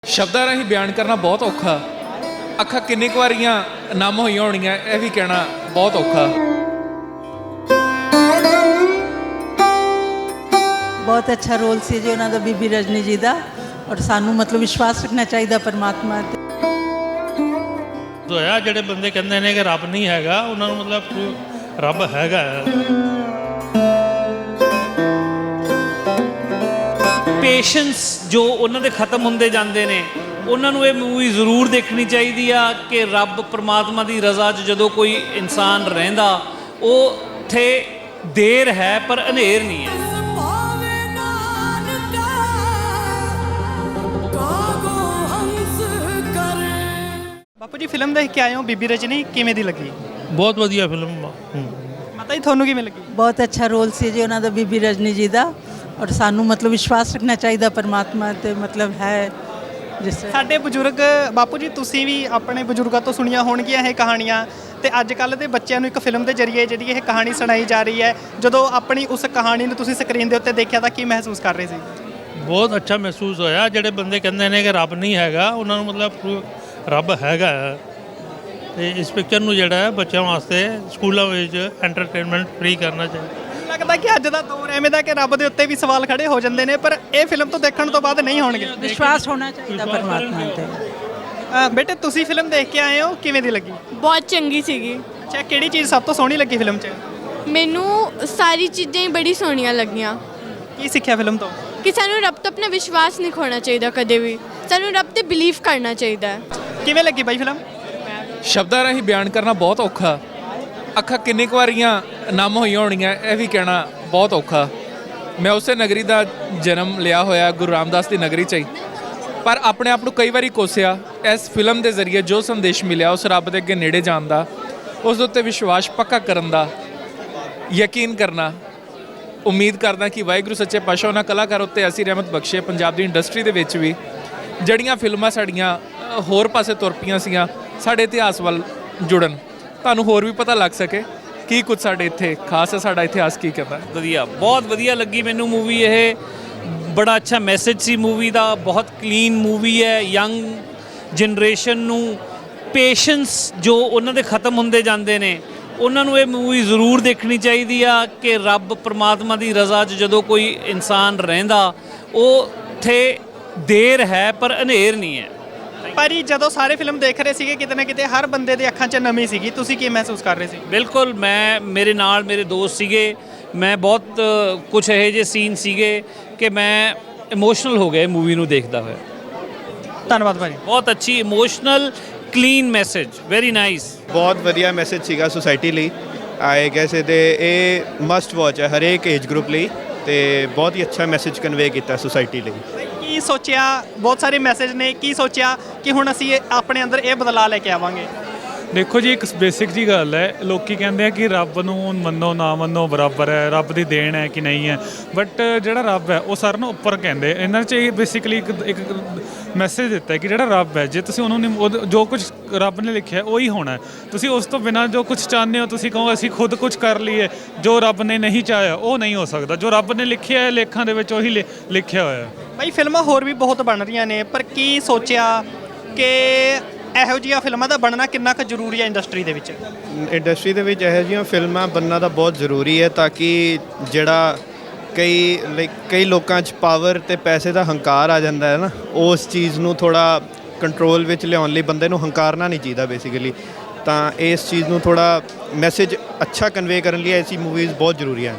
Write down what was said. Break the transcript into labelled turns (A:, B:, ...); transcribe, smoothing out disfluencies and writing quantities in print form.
A: ਸ਼ਬਦਾਂ ਰਾਹੀਂ ਬਿਆਨ ਕਰਨਾ ਬਹੁਤ ਔਖਾ। ਅੱਖਾਂ ਕਿੰਨੀ ਕੁ ਵਾਰੀਆਂ ਨਮ ਹੋਈਆਂ ਹੋਣੀਆਂ ਇਹ ਵੀ ਕਹਿਣਾ ਬਹੁਤ ਔਖਾ।
B: ਬਹੁਤ ਅੱਛਾ ਰੋਲ ਸੀ ਜੀ ਉਹਨਾਂ ਦਾ ਬੀਬੀ ਰਜਨੀ ਜੀ ਦਾ, ਔਰ ਸਾਨੂੰ ਮਤਲਬ ਵਿਸ਼ਵਾਸ ਰੱਖਣਾ ਚਾਹੀਦਾ ਪਰਮਾਤਮਾ ਤੇ।
C: ਹੋਇਆ ਜਿਹੜੇ ਬੰਦੇ ਕਹਿੰਦੇ ਨੇ ਕਿ ਰੱਬ ਨਹੀਂ ਹੈਗਾ, ਉਹਨਾਂ ਨੂੰ ਮਤਲਬ ਰੱਬ ਹੈਗਾ।
D: ਪੇਸ਼ੈਂਸ ਜੋ ਉਹਨਾਂ ਦੇ ਖਤਮ ਹੁੰਦੇ ਜਾਂਦੇ ਨੇ, ਉਹਨਾਂ ਨੂੰ ਇਹ ਮੂਵੀ ਜ਼ਰੂਰ ਦੇਖਣੀ ਚਾਹੀਦੀ ਆ ਕਿ ਰੱਬ ਪਰਮਾਤਮਾ ਦੀ ਰਜ਼ਾ 'ਚ ਜਦੋਂ ਕੋਈ ਇਨਸਾਨ ਰਹਿੰਦਾ, ਉਹ ਉੱਥੇ ਦੇਰ ਹੈ ਪਰ ਹਨੇਰ ਨਹੀਂ ਹੈ।
E: ਬਾਪੂ ਜੀ ਫਿਲਮ ਦੇਖ ਕੇ ਆਏ ਹੋ ਬੀਬੀ ਰਜਨੀ, ਕਿਵੇਂ ਦੀ ਲੱਗੀ?
C: ਬਹੁਤ ਵਧੀਆ ਫਿਲਮ।
E: ਮਾਤਾ ਜੀ ਤੁਹਾਨੂੰ ਕਿਵੇਂ ਲੱਗੀ?
B: ਬਹੁਤ ਅੱਛਾ ਰੋਲ ਸੀ ਜੀ ਉਹਨਾਂ ਦਾ ਬੀਬੀ ਰਜਨੀ ਜੀ ਦਾ, ਔਰ ਸਾਨੂੰ ਮਤਲਬ ਵਿਸ਼ਵਾਸ ਰੱਖਣਾ ਚਾਹੀਦਾ ਪਰਮਾਤਮਾ ਤੇ ਮਤਲਬ ਹੈ ਜਿਸ
E: ਸਾਡੇ ਬਜ਼ੁਰਗ ਬਾਪੂ ਜੀ, ਤੁਸੀਂ ਵੀ ਆਪਣੇ ਬਜ਼ੁਰਗਾਂ ਤੋਂ ਸੁਣੀਆਂ ਹੋਣਗੀਆਂ ਇਹ ਕਹਾਣੀਆਂ, ਤੇ ਅੱਜ ਕੱਲ੍ਹ ਦੇ ਬੱਚਿਆਂ ਨੂੰ ਇੱਕ ਫਿਲਮ ਦੇ ਜ਼ਰੀਏ ਜਿਹੜੀ ਇਹ ਕਹਾਣੀ ਸੁਣਾਈ ਜਾ ਰਹੀ ਹੈ। ਜਦੋਂ ਆਪਣੀ ਉਸ ਕਹਾਣੀ ਨੂੰ ਤੁਸੀਂ ਸਕਰੀਨ ਦੇ ਉੱਤੇ ਦੇਖਿਆ ਤਾਂ ਕੀ ਮਹਿਸੂਸ ਕਰ ਰਹੇ ਸੀ?
C: ਬਹੁਤ ਅੱਛਾ ਮਹਿਸੂਸ ਹੋਇਆ। ਜਿਹੜੇ ਬੰਦੇ ਕਹਿੰਦੇ ਨੇ ਕਿ ਰੱਬ ਨਹੀਂ ਹੈਗਾ, ਉਹਨਾਂ ਨੂੰ ਮਤਲਬ ਰੱਬ ਹੈਗਾ। ਤੇ ਇਸ ਪਿਕਚਰ ਨੂੰ ਜਿਹੜਾ ਹੈ ਬੱਚਿਆਂ ਵਾਸਤੇ ਸਕੂਲਾਂ ਵਿੱਚ ਐਂਟਰਟੇਨਮੈਂਟ ਫ੍ਰੀ ਕਰਨਾ ਚਾਹੀਦਾ।
E: ਲੱਗਦਾ ਕਿ ਅੱਜ ਦਾ ਦੌਰ ਐਵੇਂ ਦਾ ਕਿ ਰੱਬ ਦੇ ਉੱਤੇ ਵੀ ਸਵਾਲ ਖੜੇ ਹੋ ਜਾਂਦੇ ਨੇ, ਪਰ ਇਹ ਫਿਲਮ ਤੋਂ ਦੇਖਣ ਤੋਂ ਬਾਅਦ ਨਹੀਂ ਹੋਣਗੇ।
B: ਵਿਸ਼ਵਾਸ ਹੋਣਾ ਚਾਹੀਦਾ ਪਰਮਾਤਮਾ ਤੇ।
E: ਬੇਟੇ ਤੁਸੀਂ ਫਿਲਮ ਦੇਖ ਕੇ ਆਏ ਹੋ, ਕਿਵੇਂ ਦੀ ਲੱਗੀ?
F: ਬਹੁਤ ਚੰਗੀ ਸੀਗੀ।
E: ਅੱਛਾ, ਕਿਹੜੀ ਚੀਜ਼ ਸਭ ਤੋਂ ਸੋਹਣੀ ਲੱਗੀ ਫਿਲਮ 'ਚ?
F: ਮੈਨੂੰ ਸਾਰੀ ਚੀਜ਼ਾਂ ਹੀ ਬੜੀ ਸੋਹਣੀਆਂ ਲੱਗੀਆਂ।
E: ਕੀ ਸਿੱਖਿਆ ਫਿਲਮ ਤੋਂ?
F: ਕਿ ਸਾਨੂੰ ਰੱਬ ਤੋਂ ਆਪਣਾ ਵਿਸ਼ਵਾਸ ਨਹੀਂ ਖੋਣਾ ਚਾਹੀਦਾ ਕਦੇ ਵੀ, ਸਾਨੂੰ ਰੱਬ ਤੇ ਬਿਲੀਵ ਕਰਨਾ ਚਾਹੀਦਾ ਹੈ।
E: ਕਿਵੇਂ ਲੱਗੀ ਬਾਈ ਫਿਲਮ?
A: ਸ਼ਬਦਾਂ ਰਾਹੀਂ ਬਿਆਨ ਕਰਨਾ ਬਹੁਤ ਔਖਾ। ਅੱਖਾਂ ਕਿੰਨੀ ਕੁ ਵਾਰੀਆਂ ਨਮ ਹੋਈਆਂ ਹੋਣੀਆਂ ਇਹ ਵੀ ਕਹਿਣਾ ਬਹੁਤ ਔਖਾ। ਮੈਂ ਉਸੇ ਨਗਰੀ ਦਾ ਜਨਮ ਲਿਆ ਹੋਇਆ, ਗੁਰੂ ਰਾਮਦਾਸ ਦੀ ਨਗਰੀ 'ਚ ਹੀ, ਪਰ ਆਪਣੇ ਆਪ ਨੂੰ ਕਈ ਵਾਰੀ ਕੋਸਿਆ। ਇਸ ਫਿਲਮ ਦੇ ਜ਼ਰੀਏ ਜੋ ਸੰਦੇਸ਼ ਮਿਲਿਆ, ਉਸ ਰੱਬ ਦੇ ਅੱਗੇ ਨੇੜੇ ਜਾਣ ਦਾ, ਉਸ ਦੇ ਉੱਤੇ ਵਿਸ਼ਵਾਸ ਪੱਕਾ ਕਰਨ ਦਾ, ਯਕੀਨ ਕਰਨਾ। ਉਮੀਦ ਕਰਦਾ ਕਿ ਵਾਹਿਗੁਰੂ ਸੱਚੇ ਪਾਤਸ਼ਾਹ ਉਹਨਾਂ ਕਲਾਕਾਰ ਉੱਤੇ ਐਸੀ ਰਹਿਮਤ ਬਖਸ਼ੇ ਪੰਜਾਬ ਦੀ ਇੰਡਸਟਰੀ ਦੇ ਵਿੱਚ ਵੀ, ਜਿਹੜੀਆਂ ਫਿਲਮਾਂ ਸਾਡੀਆਂ ਹੋਰ ਪਾਸੇ ਤੁਰ ਪਈਆਂ ਸੀਗੀਆਂ, ਸਾਡੇ ਇਤਿਹਾਸ ਵੱਲ ਜੁੜਨ, ਤੁਹਾਨੂੰ ਹੋਰ ਵੀ ਪਤਾ ਲੱਗ ਸਕੇ ਕੀ ਕੁਝ ਸਾਡੇ ਇੱਥੇ ਖਾਸ ਹੈ, ਸਾਡਾ ਇਤਿਹਾਸ ਕੀ ਕਹਿੰਦਾ।
D: ਵਧੀਆ, ਬਹੁਤ ਵਧੀਆ ਲੱਗੀ ਮੈਨੂੰ ਮੂਵੀ ਇਹ। ਬੜਾ ਅੱਛਾ ਮੈਸੇਜ ਸੀ ਮੂਵੀ ਦਾ, ਬਹੁਤ ਕਲੀਨ ਮੂਵੀ ਹੈ। ਯੰਗ ਜਨਰੇਸ਼ਨ ਨੂੰ ਪੇਸ਼ੈਂਸ ਜੋ ਉਹਨਾਂ ਦੇ ਖਤਮ ਹੁੰਦੇ ਜਾਂਦੇ ਨੇ, ਉਹਨਾਂ ਨੂੰ ਇਹ ਮੂਵੀ ਜ਼ਰੂਰ ਦੇਖਣੀ ਚਾਹੀਦੀ ਆ ਕਿ ਰੱਬ ਪਰਮਾਤਮਾ ਦੀ ਰਜ਼ਾ 'ਚ ਜਦੋਂ ਕੋਈ ਇਨਸਾਨ ਰਹਿੰਦਾ, ਉਹ ਉੱਥੇ ਦੇਰ ਹੈ ਪਰ ਹਨੇਰ ਨਹੀਂ ਹੈ।
E: ਭਾਜੀ ਜਦੋਂ ਸਾਰੇ ਫਿਲਮ ਦੇਖ ਰਹੇ ਸੀਗੇ, ਕਿਤੇ ਨਾ ਕਿਤੇ ਹਰ ਬੰਦੇ ਦੇ ਅੱਖਾਂ 'ਚ ਨਮੀ ਸੀਗੀ, ਤੁਸੀਂ ਕੀ ਮਹਿਸੂਸ ਕਰ ਰਹੇ ਸੀ?
D: ਬਿਲਕੁਲ, ਮੇਰੇ ਨਾਲ ਮੇਰੇ ਦੋਸਤ ਸੀਗੇ, ਮੈਂ ਬਹੁਤ ਕੁਝ ਇਹੋ ਜਿਹੇ ਸੀਨ ਸੀਗੇ ਕਿ ਮੈਂ ਇਮੋਸ਼ਨਲ ਹੋ ਗਿਆ ਮੂਵੀ ਨੂੰ ਦੇਖਦਾ ਹੋਇਆ।
E: ਧੰਨਵਾਦ ਭਾਜੀ।
D: ਬਹੁਤ ਅੱਛੀ emotional clean message, very nice.
G: ਬਹੁਤ ਵਧੀਆ ਮੈਸੇਜ ਸੀਗਾ ਸੁਸਾਇਟੀ ਲਈ। ਆਏ ਕੈਸੇ ਤੇ ਇਹ ਮਸਟ ਵਾਚ ਹੈ ਹਰੇਕ ਏਜ ਗਰੁੱਪ ਲਈ, ਤੇ ਬਹੁਤ ਹੀ ਅੱਛਾ ਮੈਸੇਜ ਕਨਵੇ ਕੀਤਾ ਸੁਸਾਇਟੀ ਲਈ।
E: ਕੀ ਸੋਚਿਆ? ਬਹੁਤ ਸਾਰੇ ਮੈਸੇਜ ਨੇ, ਕੀ ਸੋਚਿਆ ਕਿ ਹੁਣ ਅਸੀਂ ਆਪਣੇ ਅੰਦਰ ਇਹ ਬਦਲਾਅ ਲੈ ਕੇ ਆਵਾਂਗੇ?
H: ਦੇਖੋ ਜੀ, ਇੱਕ ਬੇਸਿਕ ਜੀ ਗੱਲ ਹੈ, ਲੋਕੀ ਕਹਿੰਦੇ ਆ ਕਿ ਰੱਬ ਨੂੰ ਮੰਨੋ ਨਾ ਮੰਨੋ ਬਰਾਬਰ ਹੈ, ਰੱਬ ਦੀ ਦੇਣ ਹੈ ਕਿ ਨਹੀਂ ਹੈ, ਬਟ ਜਿਹੜਾ ਰੱਬ ਹੈ ਉਹ ਸਾਰਿਆਂ ਨੂੰ ਉੱਪਰ ਕਹਿੰਦੇ। ਇਹਨਾਂ 'ਚ ਇਹ ਬੇਸਿਕਲੀ ਇੱਕ ਮੈਸੇਜ ਦਿੱਤਾ ਹੈ ਕਿ ਜਿਹੜਾ ਰੱਬ ਹੈ, ਜੇ ਤੁਸੀਂ ਉਹਨੂੰ ਜੋ ਕੁਝ ਰੱਬ ਨੇ ਲਿਖਿਆ ਉਹੀ ਹੋਣਾ। ਤੁਸੀਂ ਉਸ ਤੋਂ ਬਿਨਾਂ ਜੋ ਕੁਝ ਚਾਹੁੰਦੇ ਹੋ, ਤੁਸੀਂ ਕਹੋ ਅਸੀਂ ਖੁਦ ਕੁਝ ਕਰ ਲਈਏ, ਜੋ ਰੱਬ ਨੇ ਨਹੀਂ ਚਾਹਿਆ ਉਹ ਨਹੀਂ ਹੋ ਸਕਦਾ। ਜੋ ਰੱਬ ਨੇ ਲਿਖਿਆ ਹੈ ਲੇਖਾਂ ਦੇ ਵਿੱਚ, ਉਹੀ ਲਿਖਿਆ ਹੋਇਆ।
E: ਭਾਈ ਫਿਲਮਾਂ ਹੋਰ ਵੀ ਬਹੁਤ ਬਣ ਰਹੀਆਂ ਨੇ, ਪਰ ਕੀ ਸੋਚਿਆ ਕਿ ਇਹੋ ਜਿਹੀਆਂ ਫਿਲਮਾਂ ਦਾ ਬਣਨਾ ਕਿੰਨਾ ਕੁ ਜ਼ਰੂਰੀ ਹੈ ਇੰਡਸਟਰੀ ਦੇ ਵਿੱਚ?
G: ਇੰਡਸਟਰੀ ਦੇ ਵਿੱਚ ਇਹੋ ਜਿਹੀਆਂ ਫਿਲਮਾਂ ਬਣਨਾ ਤਾਂ ਬਹੁਤ ਜ਼ਰੂਰੀ ਹੈ, ਤਾਂ ਕਿ ਜਿਹੜਾ ਕਈ ਲੋਕਾਂ 'ਚ ਪਾਵਰ ਤੇ ਪੈਸੇ ਦਾ ਹੰਕਾਰ ਆ ਜਾਂਦਾ ਹੈ ਨਾ, ਉਸ ਚੀਜ਼ ਨੂੰ ਥੋੜ੍ਹਾ ਕੰਟਰੋਲ ਵਿੱਚ ਲਿਆਉਣ ਲਈ ਬੰਦੇ ਨੂੰ ਹੰਕਾਰਨਾ ਨਹੀਂ ਚਾਹੀਦਾ ਬੇਸਿਕਲੀ। ਤਾਂ ਇਸ ਚੀਜ਼ ਨੂੰ ਥੋੜ੍ਹਾ ਮੈਸੇਜ ਅੱਛਾ ਕਨਵੇ ਕਰਨ ਲਈ ਐਸੀ ਮੂਵੀਜ਼ ਬਹੁਤ ਜ਼ਰੂਰੀ ਹਨ।